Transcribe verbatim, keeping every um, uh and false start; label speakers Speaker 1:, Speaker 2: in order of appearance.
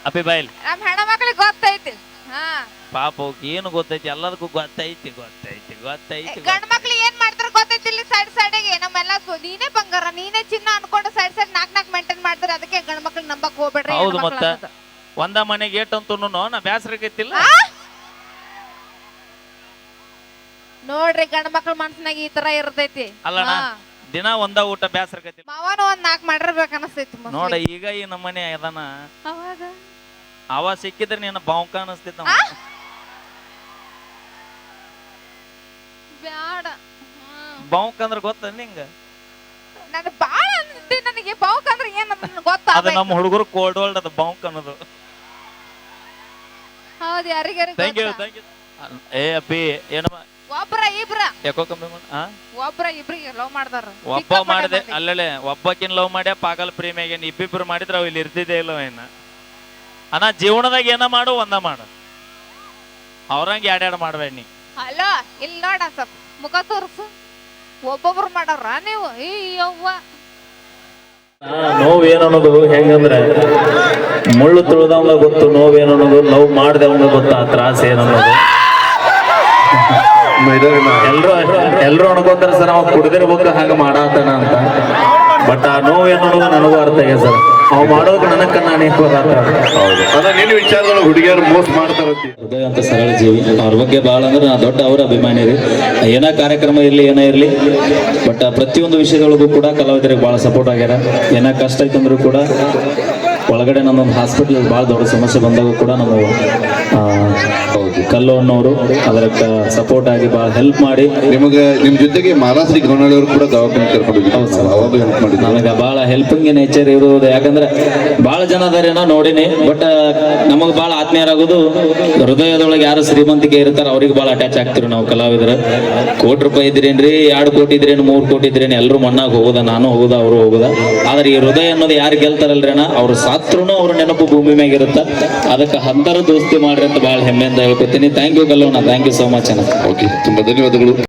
Speaker 1: ಅಪ್ಪಿ ಬಾಯಿಲ್
Speaker 2: ನಮ್ ಹೆಣ್ಮಕ್ಳಿಗೆ ಗೊತ್ತೈತಿ. ಹಾ
Speaker 1: ಪಾಪ ಅವ್ಕೆ ಏನು ಗೊತ್ತೈತಿ, ಎಲ್ಲದಕ್ಕೂ ಗೊತ್ತೈತಿ ಗೊತ್ತೈತಿ ಗೊತ್ತೈತಿ.
Speaker 2: ಗಂಡ್ ಮಕ್ಳು ಏನ್ ಮಾಡ್ತಾರ ಗೊತ್ತೈತಿ, ಇಲ್ಲಿ ಸೈಡ್ ಸೈಡ್ಗೆ ನಮ್ಮೆಲ್ಲ ನೀನೇ ಬಂಗಾರ ನೀನೇ ಚಿನ್ನ ಅನ್ಕೊಂಡು ಸೈಡ್ ಸೈಡ್ ನಾಕ್ ನಾಕ್ ಮೇಂಟೈನ್ ಮಾಡ್ತಾರೆ. ಅದಕ್ಕೆ ಗಂಡ್ ಮಕ್ಳು ನಂಬಕ್ ಹೋಗ್ಬೇಡ್ರಿ.
Speaker 1: ಹೌದು, ಮತ್ತ ಒಂದ ಮನೆಗೆ ಏಟಂತೂ ನಾ ಬ್ಯಾಸರಕೈತಿಲ್ಲ.
Speaker 2: ನೋಡ್ರಿ ಗಂಡ ಮಕ್ಳ ಮನ್ಸಿನಾಗ ಈ ತರ ಇರ್ತೈತಿ.
Speaker 1: ಅಲ್ಲಣ್ಣ ದಿನ ಒಂದ ಊಟ ಬ್ಯಾಸರಕೈತಿ.
Speaker 2: ಮಾವನು ಒಂದ್ ನಾಕ್ ಮಾಡಿರ್ಬೇಕು ಅನಸ್ತೈತಿ
Speaker 1: ನೋಡ ಈಗ ಈ ನಮ್ಮನೆ ಅದಾನ,
Speaker 2: ಅವಾಗ
Speaker 1: ಅವ ಸಿಕ್ಕಿದ್ರೆ ನೀನು ಬಾವುಕ ಅನಸ್ತಿದ್ದ.
Speaker 2: ಬ್ಯಾಡ
Speaker 1: ಬಾವುಕ ಅಂದ್ರೆ ಗೊತ್ತ ನಿಂಗ?
Speaker 2: ನನ್ ಬಾಳ ಅನ್ಸುತ್ತೆ ನನಗೆ ಬಾವುಕ ಅಂದ್ರೆ ಏನ್ ಗೊತ್ತ.
Speaker 1: ಅದು ನಮ್ಮ ಹುಡುಗರು ಕೋಲ್ಡ್ ವರ್ಲ್ಡ್ ಅದು ಬಾವುಕ ಅನ್ನೋದು.
Speaker 2: ಹೌದು, ಯಾರಿಗಾರಿ
Speaker 1: ಥ್ಯಾಂಕ್ ಯು ಥ್ಯಾಂಕ್ ಯು. ಏ ಅಪ್ಪಿ ಏನಮ್ಮ
Speaker 2: ಒಬ್ರ ಇಬ್ರ
Speaker 1: ಯಾಕೋ ಕಮ್ಮಿ ಮಾಡ
Speaker 2: ಒಬ್ರ ಇಬ್ರಿಗೆ ಲವ್ ಮಾಡ್ದಾರ.
Speaker 1: ಒಬ್ಬ ಮಾಡಿದೆ ಅಲ್ಲೇ ಒಬ್ಬಕಿನ್ ಲವ್ ಮಾಡ್ಯ ಪಾಗಲ್ ಪ್ರೇಮಿಯಾಗೇನ್ ಇಬ್ಬಿಬ್ರು ಮಾಡಿದ್ರ ಅವ್ ಇಲ್ಲಿ ಇರ್ತಿದ್ದೆ ಇಲ್ಲ ಏನ ಅಣ್ಣ. ಜೀವನದಾಗ ಏನ ಮಾಡು ಒಂದ ಮಾಡು, ಅವ್ರಂಗ ಎರಡೆರಡು ಮಾಡ್ಬೇಡ ನೀ.
Speaker 2: ಹಲೋ ಇಲ್ಲಿ ನೋಡ ಸ್ವಲ್ಪ ಮುಖ ತೋರ್ಸು. ಒಬ್ಬೊಬ್ರು ಮಾಡವ್ರ ನೀವು? ಈ ಯವ್ವ
Speaker 1: ನೋವೇನನ್ನೋದು ಹೆಂಗಂದ್ರೆ ಮುಳ್ಳು ತುಳಿದವಂಗ ಗೊತ್ತು ನೋವೇನನ್ನೋದು, ನೋವು ಮಾಡ್ದವಂಗ ಗೊತ್ತು ಆ ತ್ರಾಸ ಏನನ್ನೋದು. ಎಲ್ರು ಎಲ್ರು ಅನ್ಕೋತಾರ ಸರ್ ಅವ ಕುಡ್ದಿರ್ಬೇಕು ಹಂಗ ಮಾಡಾತನ ಅಂತ. ಬಟ್ ಆ ನೋವೇನನ್ನೋದು ನನಗೂ ಅರ್ಥ ಆಗ್ಯ ಸರ್. ಅವ್ ಮಾಡೋದು ನನಕ್ಕ ನಾನು
Speaker 3: ನಿನ್ನ ವಿಚಾರದೊಳಗೆ ಹುಡುಗಿಯರು ಮೋಸ ಮಾಡ್ತಾರ.
Speaker 4: ಹೃದಯ ಅಂತ ಸರಳ ಜೀವಿ, ಅವ್ರ ಬಗ್ಗೆ ಭಾಳ ಅಂದ್ರೆ ನಾ ದೊಡ್ಡ ಅವರ ಅಭಿಮಾನಿ ರೀ. ಏನ ಕಾರ್ಯಕ್ರಮ ಇರಲಿ ಏನೇ ಇರಲಿ, ಬಟ್ ಪ್ರತಿಯೊಂದು ವಿಷಯದೊಳಗೂ ಕೂಡ ಕಲಾವಿದರಿಗೆ ಭಾಳ ಸಪೋರ್ಟ್ ಆಗ್ಯಾರ. ಏನ ಕಷ್ಟ ಐತಂದ್ರೂ ಕೂಡ ಒಳಗಡೆ ನಮ್ಮೊಂದು ಹಾಸ್ಪಿಟಲ್ ಭಾಳ ದೊಡ್ಡ ಸಮಸ್ಯೆ ಬಂದಾಗ ಕೂಡ ನಮ್ಮ ಕಲ್ಲು ಅನ್ನೋರು ಅದಕ್ಕೆ ಸಪೋರ್ಟ್ ಆಗಿ ಭಾಳ ಹೆಲ್ಪ್ ಮಾಡಿ
Speaker 3: ನಿಮಗೆ ನಿಮ್ಮ ಜೊತೆಗೆ ಮಾಲಾಶ್ರೀ ಗೌನಳ್ಳಿ ಅವರು ಕೂಡ ದವಾಖಾನೆ ಕರ್ಕೊಂಡು ಅವಾಗ ಹೆಲ್ಪ್ ಮಾಡಿ
Speaker 4: ನನಗೆ ಭಾಳ ಹೆಲ್ಪಿಂಗ್ ನೇಚರ್ ಇರುವುದು. ಯಾಕಂದ್ರೆ ಭಾಳ ಜನ ಅದಾರೇನೋ ನೋಡಿನಿ, ಬಟ್ ನಮಗೆ ಭಾಳ ಆತ್ಮೀಯರಾಗೋದು ಹೃದಯದೊಳಗೆ ಯಾರು ಶ್ರೀಮಂತಿಕೆ ಇರ್ತಾರ ಅವ್ರಿಗೆ ಭಾಳ ಅಟ್ಯಾಚ್ ಆಗ್ತಿರು ನಾವು ಕಲಾವಿದರು. ಕೋಟಿ ರೂಪಾಯಿ ಇದ್ರೇನ್ರಿ, ಎರಡು ಕೋಟಿ ಇದ್ರೇನು, ಮೂರು ಕೋಟಿ ಇದ್ರೇನು, ಎಲ್ಲರೂ ಮಣ್ಣಾಗ ಹೋಗುದ, ನಾನು ಹೋಗುದ, ಅವರು ಹೋಗುದ. ಆದ್ರೆ ಈ ಹೃದಯ ಅನ್ನೋದು ಯಾರು ಗೆಲ್ತಾರಲ್ರಿ ಅಣ್ಣ, ಅವ್ರು ಸಾತ್ರೂ ಅವ್ರ ನೆನಪು ಭೂಮಿ ಮ್ಯಾಗ ಇರುತ್ತ. ಅದಕ್ಕೆ ಹಂತರ ದೋಸ್ತಿ ಮಾಡ್ರಿ ಅಂತ ಭಾಳ ಹೆಮ್ಮೆಯಿಂದ ಹೇಳ್ಕೊತೀನಿ. ಥ್ಯಾಂಕ್ ಯು ಕಲ್ಲೋಣ, ಥ್ಯಾಂಕ್ ಯು ಸೋ ಮಚ್ ಅಣ್ಣ.
Speaker 3: ಓಕೆ, ತುಂಬಾ ಧನ್ಯವಾದಗಳು.